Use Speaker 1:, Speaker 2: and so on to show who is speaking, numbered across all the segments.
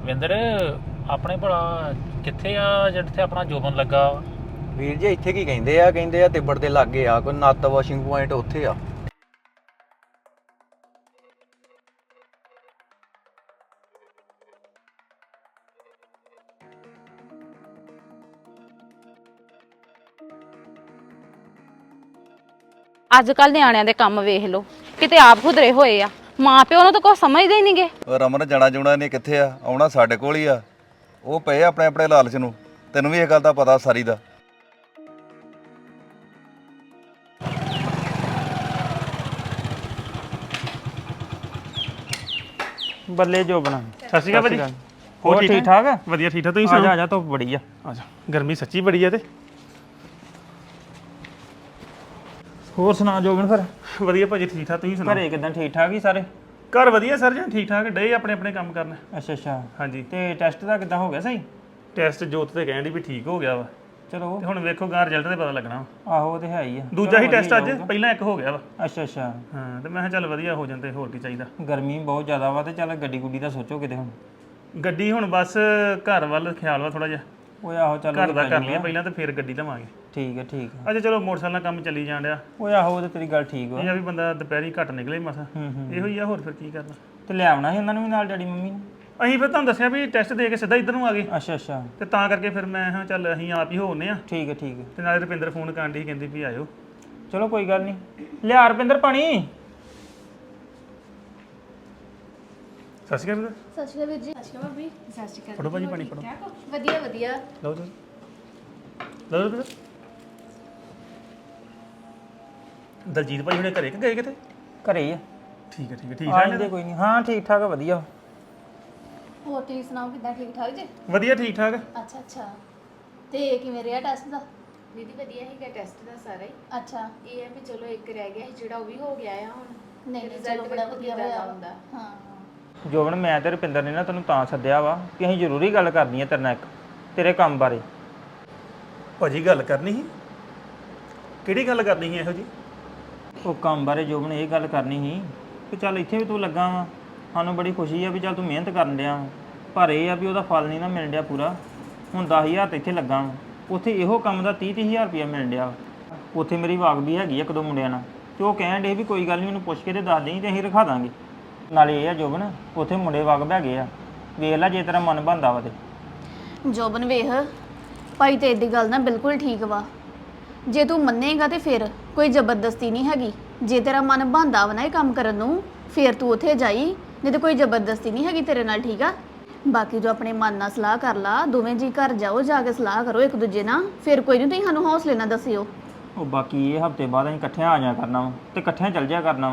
Speaker 1: ਰੁਪਿੰਦਰ ਆਪਣੇ ਭਲਾ ਕਿੱਥੇ ਆ ਜਿੱਥੇ ਆਪਣਾ ਜੋਬਨ ਲੱਗਾ ਵਾ?
Speaker 2: ਵੀਰ ਜੀ ਇੱਥੇ ਕੀ ਕਹਿੰਦੇ ਆ ਤਿੱਬੜ ਦੇ ਲਾਗੇ ਆ ਕੋਈ ਨੱਤ ਵਾਸ਼ਿੰਗ ਪੁਆਇੰਟ ਉੱਥੇ ਆ।
Speaker 3: ਅੱਜ ਕੱਲ ਨਿਆਣਿਆਂ ਦੇ ਕੰਮ ਵੇਖ ਲਓ ਕਿਤੇ ਆਪ ਖੁਦਰੇ ਹੋਏ ਆ ਮਾਂ ਪਿਓ ਨੂੰ ਤਾਂ ਕੁਝ ਸਮਝਦੇ ਹੀ ਨਹੀਂਗੇ।
Speaker 4: ਰਮਨ ਜਾਣਾ ਜੁਣਾ ਨੇ ਕਿੱਥੇ ਆ ਆਉਣਾ ਸਾਡੇ ਕੋਲ ਹੀ ਆ। ਉਹ ਪਏ ਆਪਣੇ ਆਪਣੇ ਲਾਲਚ ਨੂੰ। ਤੈਨੂੰ ਵੀ ਇਹ ਗੱਲ ਦਾ ਪਤਾ ਸਾਰੀ ਦਾ।
Speaker 5: ਬੱਲੇ ਜੋ ਬਣਾ।
Speaker 6: ਸਤਿ ਸ਼੍ਰੀ ਅਕਾਲ ਭਾਜੀ।
Speaker 5: ਹੋਰ ਠੀਕ ਠਾਕ ਆ?
Speaker 6: ਵਧੀਆ ਠੀਕ ਠਾਕ ਤੁਸੀਂ
Speaker 5: ਆ ਜਾ
Speaker 6: ਸੁਣਾਓ?
Speaker 5: ਆ ਜਾ ਧੁੱਪ ਬੜੀ ਆ।
Speaker 6: ਆ ਜਾ ਗਰਮੀ ਸੱਚੀ ਬੜੀ ਆ ਤੇ
Speaker 5: ਹੋਰ ਸੁਣਾ ਜੋਬਨ ਫਿਰ
Speaker 6: ਵਧੀਆ ਭਾਜੀ ਠੀਕ ਠਾਕ ਤੁਸੀਂ ਸੁਣਾਓ?
Speaker 5: ਘਰੇ ਕਿਦਾਂ ਠੀਕ ਠਾਕ ਹੀ ਸਾਰੇ?
Speaker 6: ਘਰ ਵਧੀਆ ਸਰ ਜੀ ਠੀਕ ਠਾਕ ਡੇ ਆਪਣੇ ਆਪਣੇ ਕੰਮ ਕਰਨ।
Speaker 5: ਅੱਛਾ ਅੱਛਾ
Speaker 6: ਹਾਂਜੀ
Speaker 5: ਤੇ ਟੈਸਟ ਦਾ ਕਿਦਾਂ ਹੋ ਗਿਆ ਸਹੀ?
Speaker 6: ਟੈਸਟ ਜੋਤ ਤੇ ਕਹਿਣ ਦੀ ਵੀ ਠੀਕ ਹੋ ਗਿਆ ਵਾ
Speaker 5: ਚਲੋ
Speaker 6: ਤੇ ਹੁਣ ਵੇਖੋ ਗਾਂ ਰਿਜ਼ਲਟ ਤੇ ਪਤਾ ਲੱਗਣਾ ਵਾ।
Speaker 5: ਆਹੋ ਉਹ ਤੇ ਹੈ ਹੀ ਆ।
Speaker 6: ਦੂਜਾ ਹੀ
Speaker 5: ਚਲੋ
Speaker 6: ਟੈਸਟ ਅੱਜ
Speaker 5: ਵਧੀਆ ਜਾਊਗਾ।
Speaker 6: ਪਹਿਲਾਂ ਇੱਕ ਹੋ ਗਿਆ ਵਾ।
Speaker 5: ਅੱਛਾ ਅੱਛਾ
Speaker 6: ਹਾਂ ਤੇ ਮੈਂ ਕਿਹਾ ਚੱਲ ਵਧੀਆ ਹੋ ਜਾਂਦੇ ਹੋਰ ਕੀ ਚਾਹੀਦਾ।
Speaker 5: ਗਰਮੀ ਬਹੁਤ ਜ਼ਿਆਦਾ ਵਾ ਤੇ ਚੱਲ ਗੱਡੀ ਗੁੱਡੀ ਦਾ ਸੋਚੋ ਕਿਤੇ ਹੁਣ।
Speaker 6: ਗੱਡੀ ਹੁਣ ਬਸ ਘਰ ਵੱਲ ਖਿਆਲ ਵਾ ਥੋੜਾ ਜਿਹਾ।
Speaker 5: ਓਏ ਆਹੋ ਚੱਲ
Speaker 6: ਘਰ ਦਾ ਕਰ ਲਈਏ ਪਹਿਲਾਂ ਤੇ ਫਿਰ ਗੱਡੀ ਲਵਾਂਗੇ।
Speaker 5: ਠੀਕ ਹੈ ਠੀਕ ਹੈ।
Speaker 6: ਅੱਛਾ ਚਲੋ ਮੋਟਰਸਾਈਕਲ ਨਾਲ ਕੰਮ ਚੱਲੀ ਜਾਣ ਡਿਆ।
Speaker 5: ਓਏ ਆਹੋ ਉਹ ਤੇ ਤੇਰੀ ਗੱਲ ਠੀਕ ਵਾ।
Speaker 6: ਇਹ ਆ ਵੀ ਬੰਦਾ ਦੁਪਹਿਰੀ ਘੱਟ ਨਿਕਲੇ ਮਸਾ।
Speaker 5: ਹੂੰ
Speaker 6: ਇਹੋ ਹੀ ਆ ਹੋਰ ਫਿਰ ਕੀ ਕਰਨਾ।
Speaker 5: ਤੇ ਲੈ ਆਉਣਾ ਸੀ ਉਹਨਾਂ ਨੂੰ ਵੀ ਨਾਲ ਡੈਡੀ ਮੰਮੀ ਨੂੰ।
Speaker 6: ਅਸੀਂ ਫਿਰ ਤੁਹਾਨੂੰ ਦੱਸਿਆ ਵੀ ਟੈਸਟ ਦੇ ਕੇ ਸਿੱਧਾ ਇੱਧਰ ਨੂੰ ਆ ਗਏ
Speaker 5: ਅੱਛਾ ਅੱਛਾ
Speaker 6: ਤੇ ਤਾਂ ਕਰਕੇ ਫਿਰ ਮੈਂ ਹਾਂ ਚੱਲ ਅਸੀਂ ਆਪ ਹੀ ਹੋਣੇ ਆ
Speaker 5: ਠੀਕ ਹੈ ਠੀਕ ਹੈ।
Speaker 6: ਤੇ ਨਾਲੇ ਰੁਪਿੰਦਰ ਫੋਨ ਕਰਨ ਦੀ ਕਹਿੰਦੀ ਵੀ ਆਇਓ।
Speaker 5: ਚਲੋ ਕੋਈ ਗੱਲ ਨਹੀਂ। ਲਿਆ ਰੁਪਿੰਦਰ ਪਾਣੀ।
Speaker 6: ਸਤਿ ਸ਼੍ਰੀ ਅਕਾਲ
Speaker 7: ਸਤਿ ਸ਼੍ਰੀ ਅਕਾਲ ਵੀਰ ਜੀ। ਸਤਿ ਸ਼੍ਰੀ ਅਕਾਲ ਭਾਬੀ। ਸਤਿ ਸ਼੍ਰੀ ਅਕਾਲ।
Speaker 6: ਫੜੋ ਭਾਜੀ ਪਾਣੀ ਫੜੋ।
Speaker 7: ਵਧੀਆ ਵਧੀਆ।
Speaker 6: ਲਓ ਜੀ ਲਓ ਰੁਪਿੰਦਰ। ਦਲਜੀਤ ਭਾਈ ਹੁਣੇ ਘਰੇ ਕਿ ਗਏ ਕਿਤੇ?
Speaker 5: ਘਰੇ ਹੀ ਆ।
Speaker 6: ਠੀਕ ਹੈ ਠੀਕ
Speaker 5: ਆ
Speaker 6: ਠਾਕ
Speaker 5: ਜਾਂਦੇ ਕੋਈ ਨਹੀਂ। ਹਾਂ ਠੀਕ ਠਾਕ ਆ ਵਧੀਆ।
Speaker 7: ਹੋਰ ਤੁਸੀਂ ਸੁਣਾਓ ਕਿੱਦਾਂ ਠੀਕ ਠਾਕ ਜੀ?
Speaker 6: ਵਧੀਆ ਠੀਕ ਠਾਕ।
Speaker 7: ਅੱਛਾ ਅੱਛਾ। ਤੇ ਕਿਵੇਂ ਰਿਹਾ ਟੈਸਟ ਦਾ?
Speaker 8: ਦੀਦੀ ਵਧੀਆ ਹੀਗਾ ਟੈਸਟ ਦਾ ਸਾਰਾ ਹੀ।
Speaker 7: ਅੱਛਾ।
Speaker 8: ਇਹ ਹੈ ਵੀ ਚਲੋ ਇੱਕ ਰਹਿ ਗਿਆ ਸੀ ਜਿਹੜਾ ਉਹ ਵੀ ਹੋ ਗਿਆ ਆ ਹੁਣ।
Speaker 7: ਨਹੀਂ ਨਹੀਂ
Speaker 8: result
Speaker 7: ਚਲੋ ਬੜਾ
Speaker 8: ਵੇਖੋ
Speaker 7: ਵਧੀਆ
Speaker 8: ਕਿੱਦਾਂ
Speaker 7: ਹੋਇਆ
Speaker 8: ਦਾ ਹੁੰਦਾ।
Speaker 7: ਹਾਂ।
Speaker 5: ਜੋਬਨ ਮੈਂ ਤੇ ਰੁਪਿੰਦਰ ਨੇ ਨਾ ਤੈਨੂੰ ਤਾਂ ਸੱਦਿਆ ਵਾ ਕਿ ਅਸੀਂ ਜ਼ਰੂਰੀ ਗੱਲ ਕਰਨੀ ਹੈ ਤੇਰੇ ਨਾਲ ਇੱਕ ਤੇਰੇ ਕੰਮ ਬਾਰੇ।
Speaker 6: ਭਾਜੀ ਗੱਲ ਕਰਨੀ ਸੀ? ਕਿਹੜੀ ਗੱਲ ਕਰਨੀ ਸੀ ਇਹੋ ਜੀ?
Speaker 5: ਉਹ ਕੰਮ ਬਾਰੇ ਜੋਬਨ ਇਹ ਗੱਲ ਕਰਨੀ ਸੀ ਕਿ ਚੱਲ ਇੱਥੇ ਵੀ ਤੂੰ ਲੱਗਾ ਵਾ ਸਾਨੂੰ ਬੜੀ ਖੁਸ਼ੀ ਆ ਵੀ ਚੱਲ ਤੂੰ ਮਿਹਨਤ ਕਰਨ ਡਿਆ ਵਾ ਪਰ ਇਹ ਆ ਵੀ ਉਹਦਾ ਫਲ ਨਹੀਂ ਨਾ ਮਿਲਣ ਡਿਆ ਪੂਰਾ। ਹੁਣ 10,000 ਤੇ ਇੱਥੇ ਲੱਗਾ ਵਾ ਉੱਥੇ ਇਹੋ ਕੰਮ ਦਾ 30-30,000 ਰੁਪਇਆ ਮਿਲਣ ਡਿਆ ਵਾ। ਉੱਥੇ ਮੇਰੀ ਵਾਕ ਵੀ ਹੈਗੀ ਆ ਇੱਕ ਦੋ ਮੁੰਡਿਆਂ ਨਾਲ ਤੇ ਉਹ ਕਹਿਣ ਡੇ ਵੀ ਕੋਈ ਗੱਲ ਨਹੀਂ ਮੈਨੂੰ ਪੁੱਛ ਕੇ ਤੇ ਦੱਸ ਦੇਈਂ ਤੇ ਅਸੀਂ ਰਖਾ ਦਾਂਗੇ। ਨਾਲੇ ਇਹ ਆ ਜੋਬਨ ਉੱਥੇ ਮੁੰਡੇ ਵਾਕ ਹੈਗੇ ਆ ਵੇਖ ਲੈ ਜੇ ਤੇਰਾ ਮਨ ਬਣਦਾ ਵਾ ਤੇ।
Speaker 7: ਜੋਬਨ ਵੇਖ ਭਾਈ ਤੇ ਇਹਦੀ ਗੱਲ ਨਾ ਬਿਲਕੁਲ ਠੀਕ ਵਾ। ਜੇ ਤੂੰ ਮੰਨੇਗਾ ਤੇ ਫਿਰ ਕੋਈ ਜ਼ਬਰਦਸਤੀ ਨਹੀਂ ਹੈਗੀ। ਜੇ ਤੇਰਾ ਮਨ ਬਣਦਾ ਵਾ ਨਾ ਇਹ ਕੰਮ ਕਰਨ ਨੂੰ ਫਿਰ ਤੂੰ ਉੱਥੇ ਜਾਈ ਨਹੀਂ ਤੇ ਕੋਈ ਜ਼ਬਰਦਸਤੀ ਨਹੀਂ ਹੈਗੀ ਤੇਰੇ ਨਾਲ ਠੀਕ ਆ। ਬਾਕੀ ਜੋ ਆਪਣੇ ਮਨ ਨਾਲ ਸਲਾਹ ਕਰ ਲਾ ਦੋਵੇਂ ਜੀ ਘਰ ਜਾਓ ਜਾ ਕੇ ਸਲਾਹ ਕਰੋ ਇੱਕ ਦੂਜੇ ਨਾਲ ਫਿਰ ਕੋਈ ਨਹੀਂ ਤੁਸੀਂ ਸਾਨੂੰ ਹੌਸਲੇ ਨਾਲ ਦੱਸਿਓ।
Speaker 5: ਉਹ ਬਾਕੀ ਇਹ ਹਫਤੇ ਬਾਅਦ ਅਸੀਂ ਇਕੱਠਿਆਂ ਆ ਜਾ ਕਰਨਾ ਵਾ ਤੇ ਇਕੱਠਿਆਂ ਚੱਲ ਜਾ ਕਰਨਾ ਵਾ।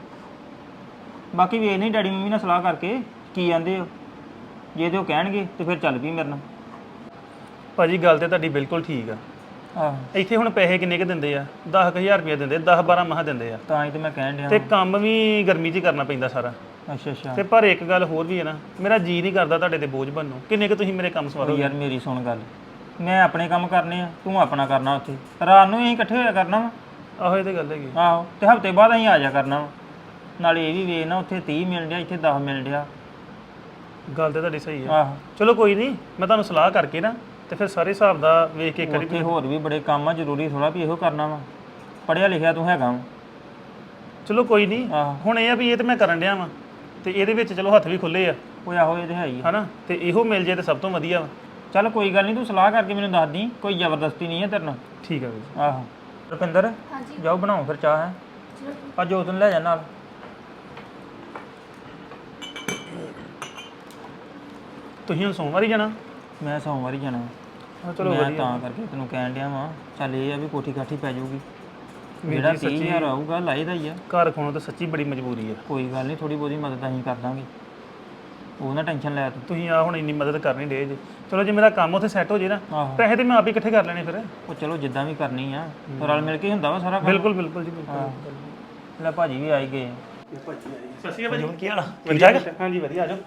Speaker 5: ਬਾਕੀ ਵੇਖ ਨਹੀਂ ਡੈਡੀ ਮੰਮੀ ਨਾਲ ਸਲਾਹ ਕਰਕੇ ਕੀ ਕਹਿੰਦੇ ਹੋ ਜੇ ਤੇ ਉਹ ਕਹਿਣਗੇ ਤੇ ਫਿਰ ਚੱਲ ਪਈ ਮੇਰੇ ਨਾਲ।
Speaker 6: ਭਾਜੀ ਗੱਲ ਤੇ ਤੁਹਾਡੀ ਬਿਲਕੁਲ ਠੀਕ ਆ।
Speaker 5: ਆਹ
Speaker 6: ਇੱਥੇ ਹੁਣ ਪੈਸੇ ਕਿੰਨੇ ਕੁ ਦਿੰਦੇ ਆ? 10,000 ਰੁਪਏ ਦਿੰਦੇ 10-12 ਮਹਾ ਦਿੰਦੇ ਆ
Speaker 5: ਤਾਂ ਹੀ ਤੇ ਮੈਂ ਕਹਿਣ ਡਿਆ
Speaker 6: ਤੇ ਕੰਮ ਵੀ ਗਰਮੀ 'ਚ ਹੀ ਕਰਨਾ ਪੈਂਦਾ ਸਾਰਾ।
Speaker 5: ਅੱਛਾ ਅੱਛਾ।
Speaker 6: ਤੇ ਪਰ ਇੱਕ ਗੱਲ ਹੋਰ ਵੀ ਹੈ ਨਾ ਮੇਰਾ ਜੀ ਨਹੀਂ ਕਰਦਾ ਤੁਹਾਡੇ ਤੇ ਬੋਝ ਬਣਨੋਂ। ਕਿੰਨੇ ਕੁ ਤੁਸੀਂ ਮੇਰੇ ਕੰਮ
Speaker 5: ਉਹ
Speaker 6: ਸਵਾਰੋਗੇ?
Speaker 5: ਯਾਰ ਮੇਰੀ ਸੁਣ ਗੱਲ ਮੈਂ ਆਪਣੇ ਕੰਮ ਕਰਨੇ ਆ ਤੂੰ ਆਪਣਾ ਕਰਨਾ ਉੱਥੇ ਰਾਤ ਨੂੰ ਅਸੀਂ ਇਕੱਠੇ ਹੋਇਆ ਕਰਨਾ ਵਾ।
Speaker 6: ਆਹੋ ਇਹ ਤੇ ਗੱਲ ਹੈਗੀ।
Speaker 5: ਆਹੋ ਤੇ ਹਫਤੇ ਬਾਅਦ ਅਸੀਂ ਆ ਜਾ ਕਰਨਾ ਵਾ। ਨਾਲੇ ਇਹ ਵੀ ਵੇਖ ਨਾ ਉੱਥੇ 30 ਮਿਲ ਡਿਆ ਇੱਥੇ 10 ਮਿਲ ਡਿਆ।
Speaker 6: ਗੱਲ ਤੇ ਤੁਹਾਡੀ ਸਹੀ ਆ।
Speaker 5: ਆਹੋ
Speaker 6: ਚਲੋ ਕੋਈ ਨਹੀਂ ਮੈਂ ਤੁਹਾਨੂੰ ਸਲਾਹ ਕਰਕੇ ਨਾ ਤੇ ਫਿਰ ਸਾਰੇ ਹਿਸਾਬ ਦਾ ਵੇਖ ਕੇ ਕਰੀ।
Speaker 5: ਉੱਥੇ ਹੋਰ ਵੀ ਬੜੇ ਕੰਮ ਆ ਜ਼ਰੂਰੀ ਥੋੜਾ ਵੀ ਇਹੋ ਕਰਨਾ ਵਾ। ਪੜ੍ਹਿਆ ਲਿਖਿਆ ਤੂੰ ਹੈਗਾ ਵਾ।
Speaker 6: ਚਲੋ ਕੋਈ ਨਹੀਂ
Speaker 5: ਆਹੋ
Speaker 6: ਹੁਣ ਇਹ ਆ ਵੀ ਇਹ ਤੇ ਮੈਂ ਕਰਨ ਡਿਆ ਵਾਂ ਤੇ ਇਹਦੇ ਵਿੱਚ ਚਲੋ ਹੱਥ ਵੀ ਖੁੱਲੇ ਆ
Speaker 5: ਉਹ ਆਹੋ ਇਹ ਤੇ ਹੈ ਹੀ ਆ।
Speaker 6: ਹਨਾ ਤੇ ਇਹੋ ਮਿਲ ਜੇ ਤੇ ਸਭ ਤੋਂ ਵਧੀਆ ਵਾ।
Speaker 5: ਚੱਲ ਕੋਈ ਗੱਲ ਨਹੀਂ ਤੂੰ ਸਲਾਹ ਕਰਕੇ ਮੈਨੂੰ ਦੱਸ ਦੀ ਕੋਈ ਜ਼ਬਰਦਸਤੀ ਨਹੀਂ ਹੈ ਤੇਰੇ ਨਾਲ।
Speaker 6: ਠੀਕ ਆ ਵੀਰ।
Speaker 5: ਆਹੋ ਰੁਪਿੰਦਰ
Speaker 7: ਹਾਂਜੀ
Speaker 5: ਜਾਓ ਬਣਾਓ ਫਿਰ ਚਾਹ ਹੈ ਅੱਜ ਉਸ ਦਿਨ ਲੈ ਜਾ ਨਾਲ।
Speaker 6: ਤੁਸੀਂ ਹੁਣ ਸੋਮਵਾਰ ਹੀ ਜਾਣਾ?
Speaker 5: ਮੈਂ ਸੋਮਵਾਰ ਹੀ ਜਾਣਾ।
Speaker 6: ਚਲੋ
Speaker 5: ਮੈਂ
Speaker 6: ਵਧੀਆ।
Speaker 5: ਤਾਂ ਕਰਕੇ ਤੈਨੂੰ ਕਹਿਣ ਡਿਆ ਵਾਂ ਚੱਲ ਇਹ ਆ ਵੀ ਕੋਠੀ ਕਾਠੀ ਪੈ ਜਾਊਗੀ ਜਿਹੜਾ 30,000 ਆਊਗਾ ਲਾਈਦਾ ਹੀ ਆ।
Speaker 6: ਘਰ ਖਾਣੋਂ ਤਾਂ ਸੱਚੀ ਬੜੀ ਮਜਬੂਰੀ ਆ।
Speaker 5: ਕੋਈ ਗੱਲ ਨਹੀਂ ਥੋੜੀ ਬਹੁਤੀ ਮਦਦ ਅਸੀਂ ਕਰ ਦਾਂਗੇ ਉਹ ਨਾ ਟੈਨਸ਼ਨ ਲੈ ਤੂੰ।
Speaker 6: ਤੁਸੀਂ ਆ ਹੁਣ ਇੰਨੀ ਮਦਦ ਕਰਨੀ ਡੇ ਜੇ। ਚਲੋ ਜੇ ਮੇਰਾ ਕੰਮ ਉੱਥੇ ਸੈੱਟ ਹੋ ਜੇ ਨਾ
Speaker 5: ਆਹੋ
Speaker 6: ਪੈਸੇ ਤੇ ਮੈਂ ਆਪ ਹੀ ਇਕੱਠੇ ਕਰ ਲੈਣੇ ਫਿਰ।
Speaker 5: ਉਹ ਚਲੋ ਜਿੱਦਾਂ ਵੀ ਕਰਨੀ ਆ ਰਲ ਮਿਲ ਕੇ ਹੀ ਹੁੰਦਾ ਵਾ ਸਾਰਾ ਕੰਮ।
Speaker 6: ਬਿਲਕੁਲ ਬਿਲਕੁਲ ਜੀ ਬਿਲਕੁਲ।
Speaker 5: ਲੈ ਭਾਜੀ ਵੀ ਆਈ ਗਏ।
Speaker 6: ਸਤਿ ਸ਼੍ਰੀ ਅਕਾਲ ਭਾਜੀ।
Speaker 9: ਕੀ ਹਾਲ ਆ?
Speaker 6: ਵਧੀਆ ਹਾਂਜੀ ਵਧੀਆ ਆ ਜਾਓ।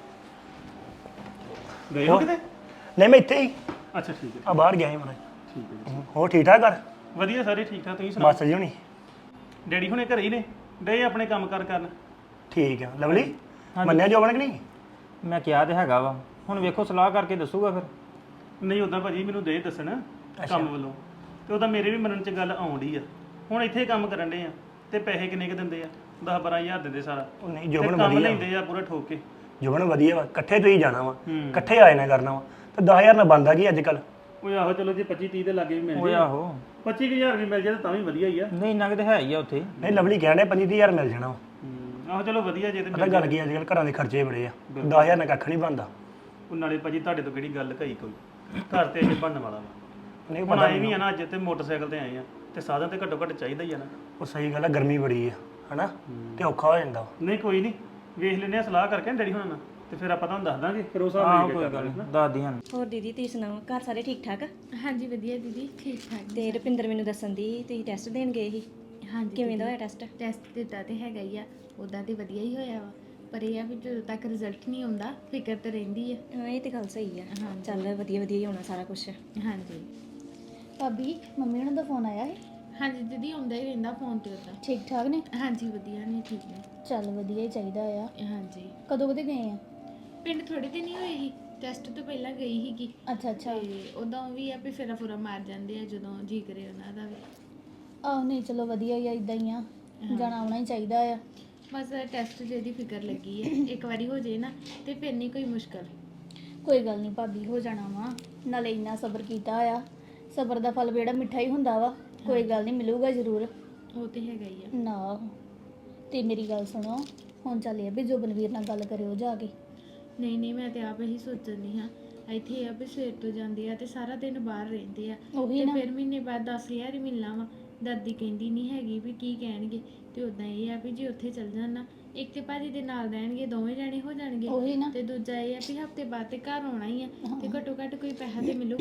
Speaker 6: ਗਏ ਹੋ ਕਿਤੇ?
Speaker 9: ਨਹੀਂ ਮੈਂ ਇੱਥੇ ਹੀ
Speaker 6: ਅੱਛਾ ਠੀਕ ਹੈ
Speaker 9: ਆ ਬਾਹਰ ਗਿਆ ਸੀ ਮਨ।
Speaker 6: ਠੀਕ ਹੈ ਜੀ।
Speaker 9: ਹੋਰ ਠੀਕ ਠਾਕ ਘਰ?
Speaker 6: ਵਧੀਆ ਸਾਰੇ ਠੀਕ ਠਾਕ ਤੁਸੀਂ ਸੁਣਾਓ?
Speaker 9: ਮਾਸਟਰ ਜੀ ਹੋਣੀ
Speaker 6: ਡੈਡੀ ਹੁਣੇ ਘਰੇ ਹੀ ਨੇ ਡੇ ਆਪਣੇ ਕੰਮ ਕਾਰ ਕਰਨ।
Speaker 9: ਠੀਕ ਆ। ਲਵਲੀ ਮੰਨਿਆ ਜੋਬਨ ਕਿ ਨਹੀਂ?
Speaker 5: ਮੈਂ ਕਿਹਾ ਤੇ ਹੈਗਾ ਵਾ ਹੁਣ ਵੇਖੋ ਸਲਾਹ ਕਰਕੇ ਦੱਸੂਗਾ ਫਿਰ।
Speaker 6: ਨਹੀਂ ਉਦਾਂ ਭਾਜੀ ਮੈਨੂੰ ਦੇ ਦੱਸਣ ਕੰਮ ਵੱਲੋਂ ਤੇ ਉਹਦਾ ਮੇਰੇ ਵੀ ਮੰਨਣ ਚ ਗੱਲ ਆਉਂਦੀ ਆ। ਹੁਣ ਇੱਥੇ ਕੰਮ ਕਰਨ ਦੇ ਆ ਤੇ ਪੈਸੇ ਕਿੰਨੇ ਕ ਦਿੰਦੇ ਆ 10-12 ਹਜ਼ਾਰ ਦਿੰਦੇ ਸਾਰਾ।
Speaker 9: ਉਹ ਨਹੀਂ
Speaker 6: ਤੇ
Speaker 9: ਜੋਬਨ
Speaker 6: ਕੰਮ
Speaker 9: ਵਧੀਆ
Speaker 6: ਲੈਂਦੇ ਆ ਪੂਰਾ ਠੋਕ ਕੇ।
Speaker 9: ਜੋਬਨ ਵਧੀਆ ਵਾ ਇਕੱਠੇ ਤੁਸੀਂ ਜਾਣਾ ਵਾ ਇਕੱਠੇ ਆਏ ਨਾ ਕਰਨਾ ਵਾ ਤੇ 10000 ਨਾਲ ਬੰਦਾ ਕੀ ਅੱਜ ਕੱਲ।
Speaker 6: ਉਹ ਆਹੋ ਚਲੋ ਜੇ 25-30 ਦੇ ਲਾਗੇ ਵੀ ਮਿਲ
Speaker 5: ਓਏ
Speaker 6: ਜੇ
Speaker 5: ਆਹੋ
Speaker 6: 25,000 ਵੀ ਮਿਲ ਜਾਏ ਤਾਂ ਵੀ ਵਧੀਆ ਹੀ ਆ।
Speaker 5: ਨਹੀਂ ਇੰਨਾ ਕਿਤੇ ਹੈ ਹੀ ਆ ਉੱਥੇ।
Speaker 9: ਨਹੀਂ ਲਵਲੀ ਕਹਿਣ ਡਿਆ 25000 ਮਿਲ ਜਾਣਾ ਵਾ।
Speaker 6: ਆਹੋ ਚਲੋ ਵਧੀਆ ਜੇ ਤੇ
Speaker 9: ਪਤਾ ਗੱਲ ਕੀ ਅੱਜ ਕੱਲ ਘਰਾਂ ਦੇ ਖਰਚੇ ਬੜੇ ਆ 10000 ਨਾਲ ਕੱਖ ਨਹੀਂ ਬਣਦਾ।
Speaker 6: ਉਹ ਨਾਲੇ ਭਾਜੀ ਤੁਹਾਡੇ ਤੋਂ ਕਿਹੜੀ ਗੱਲ ਕਹੀ ਕੋਈ ਘਰ ਤੇ ਅਜੇ ਬਣਨ ਵਾਲਾ ਵਾ।
Speaker 9: ਨਹੀਂ
Speaker 6: ਹੁਣ
Speaker 9: ਪਤਾ
Speaker 6: ਆਏ ਵੀ ਆ ਨਾ ਅੱਜ ਤੇ ਮੋਟਰਸਾਈਕਲ ਤੇ ਆਏ ਆ ਤੇ ਸਾਧਨ ਤੇ ਘੱਟੋ ਘੱਟ ਚਾਹੀਦਾ ਹੀ ਆ ਨਾ।
Speaker 9: ਉਹ ਸਹੀ ਗੱਲ ਆ ਗਰਮੀ ਬੜੀ ਆ ਹਨਾ ਤੇ ਔਖਾ ਹੋ ਜਾਂਦਾ ਵਾ।
Speaker 6: ਨਹੀਂ ਕੋਈ ਨਹੀਂ ਵੇਖ ਲੈਨੇ ਆ ਸਲਾਹ ਕਰਕੇ ਡੈਡੀ ਹੁਣਾਂ ਨਾਲ ਤੇ ਫਿਰ ਆਪਾਂ ਤੁਹਾਨੂੰ ਦੱਸ ਦਾਂਗੇ ਫਿਰ ਉਸ ਹਿਸਾਬ
Speaker 5: ਆਹ
Speaker 6: ਨਾਲ
Speaker 5: ਕੋਈ ਗੱਲ ਨੀ, ਦੱਸ ਦੀਆਂ।
Speaker 10: ਹੋਰ ਦੀਦੀ ਤੁਸੀਂ ਸੁਣਾਓ ਘਰ ਸਾਰੇ ਠੀਕ ਠਾਕ?
Speaker 8: ਹਾਂਜੀ ਵਧੀਆ ਦੀਦੀ ਠੀਕ ਠਾਕ।
Speaker 10: ਤੇ ਰੁਪਿੰਦਰ ਮੈਨੂੰ ਦੱਸਣ ਦੀ ਤੁਸੀਂ ਟੈਸਟ ਦੇਣ ਗਏ ਸੀ,
Speaker 8: ਹਾਂਜੀ
Speaker 10: ਕਿਵੇਂ ਦਾ ਹੋਇਆ ਟੈਸਟ?
Speaker 8: ਟੈਸਟ ਦਿੱਤਾ ਤੇ ਹੈਗਾ ਹੀ ਆ, ਉਦਾਂ ਤੇ ਵਧੀਆ ਹੀ ਹੋਇਆ ਵਾ, ਪਰ ਇਹ ਆ ਵੀ ਜਦੋਂ ਤੱਕ ਰਿਜ਼ਲਟ ਨਹੀਂ ਆਉਂਦਾ ਫਿਕਰ ਤੇ ਰਹਿੰਦੀ ਆ।
Speaker 10: ਹਾਂ ਇਹ ਤੇ ਗੱਲ ਸਹੀ ਆ। ਚੱਲ ਵਧੀਆ ਵਧੀਆ ਹੀ ਹੋਣਾ ਸਾਰਾ ਕੁਝ।
Speaker 8: ਹਾਂਜੀ
Speaker 7: ਭਾਬੀ ਮੰਮੀ ਉਹਨਾਂ ਦਾ ਫੋਨ ਆਇਆ ਹੈ?
Speaker 8: ਹਾਂਜੀ ਦੀਦੀ ਆਉਂਦਾ ਹੀ ਰਹਿੰਦਾ ਫੋਨ ਤੇ ਉਦਾਂ।
Speaker 7: ਠੀਕ ਠਾਕ ਨੇ?
Speaker 8: ਹਾਂਜੀ ਵਧੀਆ ਨੇ ਠੀਕ ਨੇ।
Speaker 7: ਚੱਲ ਵਧੀਆ ਹੀ ਚਾਹੀਦਾ ਆ।
Speaker 8: ਹਾਂਜੀ
Speaker 7: ਕਦੋਂ ਕਦੇ ਗਏ ਆ?
Speaker 8: ਪਿੰਡ ਥੋੜੇ ਦਿਨ ਹੀ ਹੋਏ ਸੀ, ਟੈਸਟ ਤੋਂ ਪਹਿਲਾਂ ਗਈ ਸੀਗੀ।
Speaker 7: ਅੱਛਾ ਅੱਛਾ।
Speaker 8: ਤੇ ਉਦੋਂ ਵੀ ਆ ਵੀ ਫੇਰਾ ਫੁਰਾ ਮਾਰ ਜਾਂਦੇ ਆ ਜਦੋਂ ਜੀ ਕਰੇ ਉਹਨਾਂ ਦਾ ਵੀ।
Speaker 7: ਆਹ ਨਹੀਂ ਚਲੋ ਵਧੀਆ ਹੀ ਆ, ਇਦਾਂ ਹੀ ਆ, ਜਾਣਾ ਆਉਣਾ ਹੀ ਚਾਹੀਦਾ ਆ।
Speaker 8: ਬਸ ਟੈਸਟ ਜਿਹਦੀ ਫਿਕਰ ਲੱਗੀ ਹੈ, ਇੱਕ ਵਾਰੀ ਹੋ ਜੇ ਨਾ ਤੇ ਫਿਰ ਨਹੀਂ ਕੋਈ ਮੁਸ਼ਕਲ।
Speaker 7: ਕੋਈ ਗੱਲ ਨਹੀਂ ਭਾਬੀ ਹੋ ਜਾਣਾ ਵਾ, ਨਾਲੇ ਇੰਨਾ ਸਬਰ ਕੀਤਾ ਆ, ਸਬਰ ਦਾ ਫਲ ਜਿਹੜਾ ਮਿੱਠਾ ਹੀ ਹੁੰਦਾ ਵਾ। ਕੋਈ ਗੱਲ ਨਹੀਂ ਮਿਲੂਗਾ ਜ਼ਰੂਰ।
Speaker 8: ਉਹ ਤੇ ਹੈਗਾ ਹੀ ਆ।
Speaker 7: ਨਾ ਤੇ ਮੇਰੀ ਗੱਲ ਸੁਣੋ, ਹੁਣ ਚੱਲੇ ਆ ਵੀ ਜੋਬਨਵੀਰ ਨਾਲ ਗੱਲ ਕਰਿਓ ਜਾ ਕੇ।
Speaker 8: ਨਹੀਂ ਮੈਂ ਤੇ ਆਪ ਇਹੀ ਸੋਚਦੀ ਹਾਂ, ਇੱਥੇ ਆ ਵੀ ਸਵੇਰ ਤੋਂ ਜਾਂਦੇ ਆ ਤੇ ਸਾਰਾ ਦਿਨ ਬਾਹਰ ਰਹਿੰਦੇ ਆ
Speaker 7: ਉਹੀ
Speaker 8: ਤੇ
Speaker 7: ਨਾ।
Speaker 8: ਫਿਰ ਮਹੀਨੇ ਬਾਅਦ 10,000 ਹੀ ਮਿਲਣਾ ਵਾ। ਦਾਦੀ ਕਹਿੰਦੀ ਨਹੀਂ ਹੈਗੀ ਵੀ ਕੀ ਕਹਿਣਗੇ, ਤੇ ਉਦਾਂ ਇਹ ਆ ਵੀ ਜੇ ਉੱਥੇ ਚੱਲ ਜਾਣ ਨਾ, ਇੱਕ ਤੇ ਭਾਜੀ ਦੇ ਨਾਲ ਰਹਿਣਗੇ, ਦੋਵੇਂ ਜਾਣੇ ਹੋ ਜਾਣਗੇ।
Speaker 7: ਉਹੀ ਨਾ।
Speaker 8: ਤੇ ਦੂਜਾ ਇਹ ਆ ਵੀ ਹਫਤੇ ਬਾਅਦ ਤੇ ਘਰ ਆਉਣਾ ਹੀ ਆ ਤੇ ਘੱਟੋ ਘੱਟ ਕੋਈ ਪੈਸਾ ਤੇ ਮਿਲੂਗਾ।